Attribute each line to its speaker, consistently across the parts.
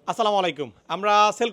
Speaker 1: আসসালামু আলাইকুম। আমরা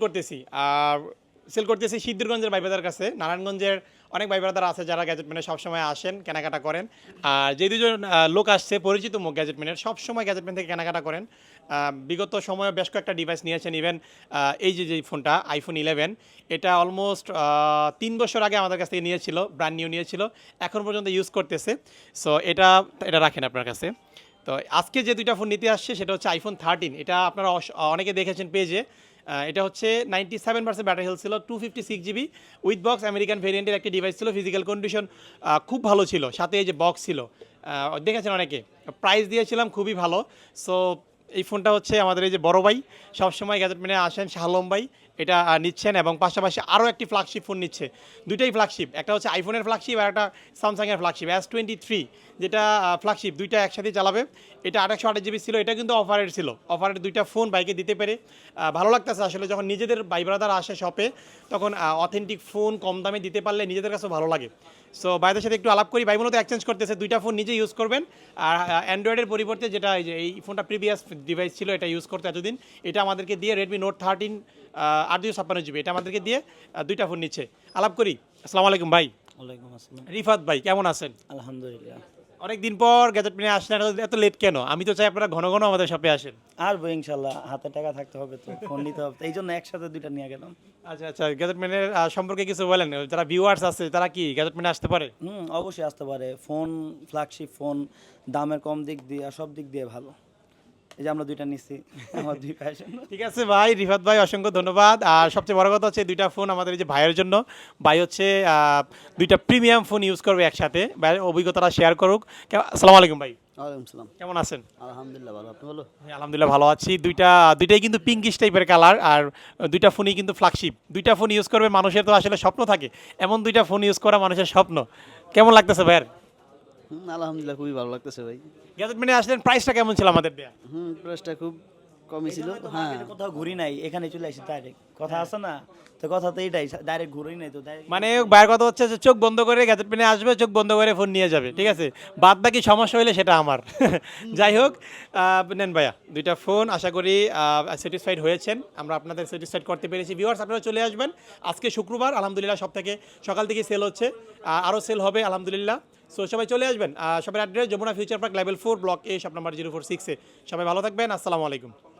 Speaker 1: সেল করতেছি সিদ্ধিরগঞ্জের ভাই ব্রাদার কাছে। নারায়ণগঞ্জের অনেক ভাই ব্রাদার আছে যারা গ্যাজেট ম্যানের সবসময় আসেন, কেনাকাটা করেন। আর যে দুজন লোক আসছে পরিচিত মুখ গ্যাজেট ম্যানের, সবসময় গ্যাজেট ম্যান থেকে কেনাকাটা করেন। বিগত সময়ে বেশ কয়েকটা ডিভাইস নিয়েছেন। ইভেন এই যে ফোনটা আইফোন 11, এটা অলমোস্ট ৩ বছর আগে আমাদের কাছ থেকে নিয়েছিল, ব্র্যান্ড নিউ নিয়েছিল। এখন পর্যন্ত ইউজ করতেছে। সো এটা এটা রাখেন আপনার কাছে। তো আজকে যে দুইটা ফোন নিতে আসছে সেটা হচ্ছে আইফোন 13। এটা আপনারা অনেকে দেখেছেন পেজে। এটা হচ্ছে 97% ব্যাটারি হেলথ ছিল, 256 GB উইথ বক্স আমেরিকান ভেরিয়েন্টের একটি ডিভাইস ছিল। ফিজিক্যাল কন্ডিশন খুব ভালো ছিল, সাথে এই যে বক্স ছিল, দেখেছেন অনেকে। প্রাইস দিয়েছিলাম খুবই ভালো। সো এই ফোনটা হচ্ছে আমাদের এই যে বড় ভাই সবসময় গ্যাজেট মেনে আসেন, শাহলম ভাই, এটা নিচ্ছেন এবং পাশাপাশি আরও একটি ফ্ল্যাগশিপ ফোন নিচ্ছে। দুইটাই ফ্ল্যাগশিপ, একটা হচ্ছে আইফোনের ফ্ল্যাগশিপ আর একটা স্যামসাংয়ের ফ্ল্যাগশিপ S23, যেটা ফ্ল্যাগশিপ। দুইটা একসাথেই চালাবে। এটা 828 GB ছিল, এটা কিন্তু অফারের ছিল। অফারের দুইটা ফোন বাইকে দিতে পেরে ভালো লাগতেছে আসলে। যখন নিজেদের ভাই ব্রাদার আসে শপে, তখন অথেন্টিক ফোন কম দামে দিতে পারলে নিজেদের কাছেও ভালো লাগে। সো ভাইদের সাথে একটু আলাপ করি। ভাই মূলত এক্সচেঞ্জ করতেছে, দুইটা ফোন নিজে ইউজ করবেন। আর অ্যান্ড্রয়েডের পরিবর্তে যেটা এই ফোনটা প্রিভিয়াস ডিভাইস ছিল, এটা ইউজ করতে এতদিন, এটা আমাদেরকে দিয়ে রেডমি নোট 13 856 GB, এটা আমাদেরকে দিয়ে দুইটা ফোন নিচ্ছে। আলাপ করি। আসসালামু আলাইকুম ভাই।
Speaker 2: ওয়ালাইকুম আসসালাম।
Speaker 1: রিফাত ভাই, কেমন আছেন?
Speaker 2: আলহামদুলিল্লাহ।
Speaker 1: অনেকদিন পর গ্যাজেট নিয়ে আসলেন, এত লেট কেন? আমি তো চাই আপনারা ঘন ঘন আমাদের শপে আসেন।
Speaker 2: আসবো ইনশাল্লাহ, হাতে টাকা থাকতে হবে তো, ফোন নিতে হবে, এই জন্য একসাথে দুইটা নিয়ে গেলাম।
Speaker 1: আচ্ছা আচ্ছা, গ্যাজেট ম্যানের সম্পর্কে কিছু বলেন। যারা ভিউয়ার্স আছে তারা কি গ্যাজেট ম্যানে আসতে পারে?
Speaker 2: অবশ্যই আসতে পারে। ফোন ফ্ল্যাগশিপ ফোন, দামের কম দিক দিয়ে আর সব দিক দিয়ে ভালো। এই যে আমরা দুইটা নিচ্ছি, আমার দুই প্যাশন।
Speaker 1: ঠিক আছে ভাই, রিফাত ভাই অসংখ্য ধন্যবাদ। আর সবচেয়ে বড় কথা হচ্ছে দুইটা ফোন আমাদের এই যে ভাইয়ের জন্য। ভাই হচ্ছে দুইটা প্রিমিয়াম ফোন ইউজ করবে একসাথে। ভাইয়ের অভিজ্ঞতাটা শেয়ার করুক। আসসালামু আলাইকুম ভাই,
Speaker 2: ওয়ালাইকুম সালাম।
Speaker 1: কেমন আছেন?
Speaker 2: আলহামদুলিল্লাহ ভালো, আপনি বলো?
Speaker 1: হ্যাঁ, আলহামদুলিল্লাহ ভালো আছি। দুইটাই কিন্তু পিঙ্কিশ টাইপের কালার। আর দুইটা ফোনই কিন্তু ফ্ল্যাগশিপ। দুইটা ফোন ইউজ করবে মানুষের তো আসলে স্বপ্ন থাকে, এমন দুইটা ফোন ইউজ করা মানুষের স্বপ্ন। কেমন লাগতেছে ভাইয়ের?
Speaker 2: আলহামদুলিল্লাহ খুবই ভালো লাগতেছে ভাই।
Speaker 1: গ্যাজেট মেনে আসলেন, প্রাইসটা কেমন ছিল আমাদের দেয়া?
Speaker 2: প্রাইসটা খুব কমই ছিল। হ্যাঁ,
Speaker 3: কোথাও ঘুরি নাই, এখানে চলে আসি ডাইরেক্ট। কথা আছে না, তো কথা তো এটাই, ডাইরেক্ট ঘুরি নাই তো ডাইরেক্ট।
Speaker 1: মানে ভাইয়ের কথা হচ্ছে যে চোখ বন্ধ করে গ্যাজেট পেনে আসবে, চোখ বন্ধ করে ফোন নিয়ে যাবে, ঠিক আছে? বাদ বাকি সমস্যা হইলে সেটা আমার। যাই হোক, নেন ভাইয়া দুইটা ফোন। আশা করি স্যাটিসফাইড হয়েছেন, আমরা আপনাদের স্যাটিসফাইড করতে পেরেছি। ভিউয়ার্স, আপনারা চলে আসবেন। আজকে শুক্রবার, আলহামদুলিল্লাহ সব থেকে সকাল থেকে সেল হচ্ছে, আরও সেল হবে আলহামদুলিল্লাহ। সো সবাই চলে আসবেন। সবার address Jamuna future park, level 4, block A, shop number 046-এ। সবাই ভালো থাকবেন। আসসালামু আলাইকুম।